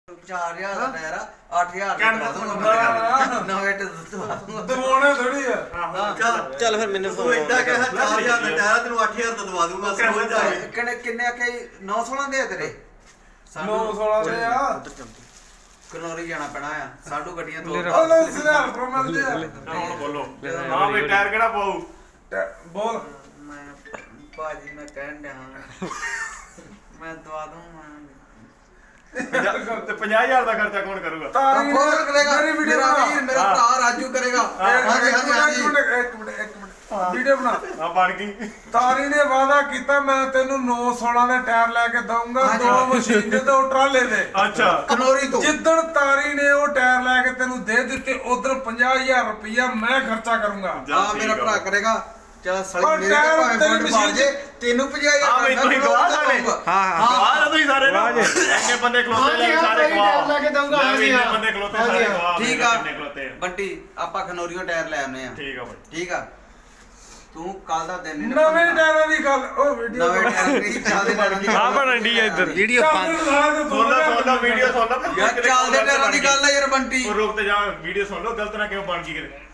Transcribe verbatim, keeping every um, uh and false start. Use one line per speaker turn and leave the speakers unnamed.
ਚਾਰ ਹਜ਼ਾਰ ਦਾ ਟਾਇਰ ਆ ਅੱਠ ਹਜ਼ਾਰ ਦਾ ਦਵਾ ਨਵੇਂ ਤੇ
ਦਵਾਉਣੇ ਥੋੜੀ ਆ
ਚੱਲ ਫਿਰ ਮੈਨੂੰ
ਤੂੰ ਇਦਾਂ ਕਹਿ ਚਾਰ ਹਜ਼ਾਰ ਦਾ ਟਾਇਰ ਤੈਨੂੰ ਅੱਠ ਹਜ਼ਾਰ ਦਾ ਦਵਾ ਦੂੰਗਾ ਸਮਝ ਜਾ
ਕਿੰਨੇ ਕਿੰਨੇ ਆਖੇ ਨੌ ਸੋਲਾਂ ਦੇ ਆ ਤੇਰੇ
ਨੌ ਸੋਲਾਂ ਦੇ ਆ
ਕਨੌਰੀ ਜਾਣਾ ਪੈਣਾ ਆ ਸਾਡੂ ਗੱਡੀਆਂ ਤੋਂ
ਹਲੋ ਸਿਆਲ ਪ੍ਰਮਲ ਦੇ
ਹੁਣ ਬੋਲੋ ਹਾਂ ਵੀ ਟਾਇਰ ਕਿਹੜਾ ਪਾਉ
ਬੋਲ
ਮੈਂ ਭਾਜੀ ਮੈਂ ਕਹਿਣ ਡਿਆ ਮੈਂ ਦਵਾ ਦੂੰਗਾ
ਤੇ ਪੰਜਾਹ ਹਜ਼ਾਰ ਦਾ ਖਰਚਾ ਕੌਣ ਕਰੂਗਾ
ਤਾਰੀ
ਫੋਨ ਕਰੇਗਾ
ਮੇਰੀ ਵੀਡੀਓ
ਮੇਰਾ
ਬਣਾ
ਵੀਰ ਮੇਰਾ ਭਰਾ ਰਾਜੂ ਕਰੇਗਾ ਹਾਂਜੀ ਹਾਂਜੀ ਹਾਂਜੀ
ਇੱਕ ਮਿੰਟ ਇੱਕ ਮਿੰਟ ਇੱਕ ਮਿੰਟ ਵੀਡੀਓ ਬਣਾ
ਆ ਬਣ ਗਈ
ਤਾਰੀ ਨੇ ਵਾਅਦਾ ਕੀਤਾ ਮੈਂ ਤੈਨੂੰ ਨੌ ਸੋਲਾਂ ਦੇ ਟਾਇਰ ਲੈ ਕੇ ਦਊਂਗਾ ਦੋ ਮਸ਼ੀਨ ਦੇ ਦੋ ਟਰਾਲੇ ਦੇ
ਅੱਛਾ
ਕਨੌਰੀ ਤੋਂ
ਜਿੱਦਣ ਤਾਰੀ ਨੇ ਉਹ ਟਾਇਰ ਲੈ ਕੇ ਤੈਨੂੰ ਦੇ ਦਿੱਤੇ ਉਧਰ ਪੰਜਾਹ ਹਜ਼ਾਰ ਰੁਪਇਆ ਮੈਂ ਖਰਚਾ ਕਰੂੰਗਾ
ਹਾਂ ਮੇਰਾ ਭਰਾ ਕਰੇਗਾ ਚਲ ਸੜੀ
ਉਹ
ਮੇਰੇ
ਟਾਇਰ
ਭਾਵੇਂ
ਤੇਰੀ
ਫੋਨ
ਮਸ਼ੀਨ
ਮਾਰ ਜੇ ਤੈਨੂੰ ਪੰਜਾਹ ਹਜ਼ਾਰ
ਹਾਂ, ਬਈ ਤੁਸੀਂ ਗਵਾਹ ਸਾਰੇ।
ਹਾਂ ਹਾਂ
ਗਵਾਹ ਨਾ ਤੁਸੀਂ ਸਾਰੇ ਨਾ ਇੰਨੇ ਬੰਦੇ ਖਲੋਤੇ ਲੈ ਸਾਰੇ ਗਵਾਹ
ਲੈ ਕੇ ਦਊਂਗਾ
ਮੈਂ ਵੀ ਇੰਨੇ ਬੰਦੇ ਖਲੋਤੇ ਸਾਰੇ ਗਵਾਹ
ਠੀਕ ਆ
ਕਿੰਨੇ ਖਲੋਤੇ ਆ
ਬੰਟੀ ਆਪਾਂ ਖਨੌਰੀਓ ਟਾਇਰ ਲੈ ਆਉਨੇ ਆ
ਠੀਕ ਆ ਬਾਈ
ਠੀਕ ਆ ਤੂੰ ਕੱਲ ਦਾ ਦਿਨ ਨਹੀਂ
ਨਵੇਂ ਟਾਇਰਾਂ ਦੀ ਗੱਲ ਉਹ ਵੀਡੀਓ
ਨਵੇਂ ਟਾਇਰ ਨਹੀਂ ਚੱਲਦੇ ਟਾਇਰਾਂ ਦੀ
ਆ ਬਣਨ ਦੀ ਇੱਧਰ
ਵੀਡੀਓ ਪੰਜ
ਸੋਨਾ ਸੋਨਾ ਵੀਡੀਓ ਸੁਣ ਲਾ
ਯਾਰ ਚੱਲਦੇ ਟਾਇਰਾਂ ਦੀ ਗੱਲ ਆ ਯਾਰ ਬੰਟੀ
ਉਹ ਰੁਕ ਤੇ ਜਾ ਵੀਡੀਓ ਸੁਣ ਲਓ ਗਲਤ ਨਾ ਕਿਉਂ ਬਣ ਗਈ ਕਿਤੇ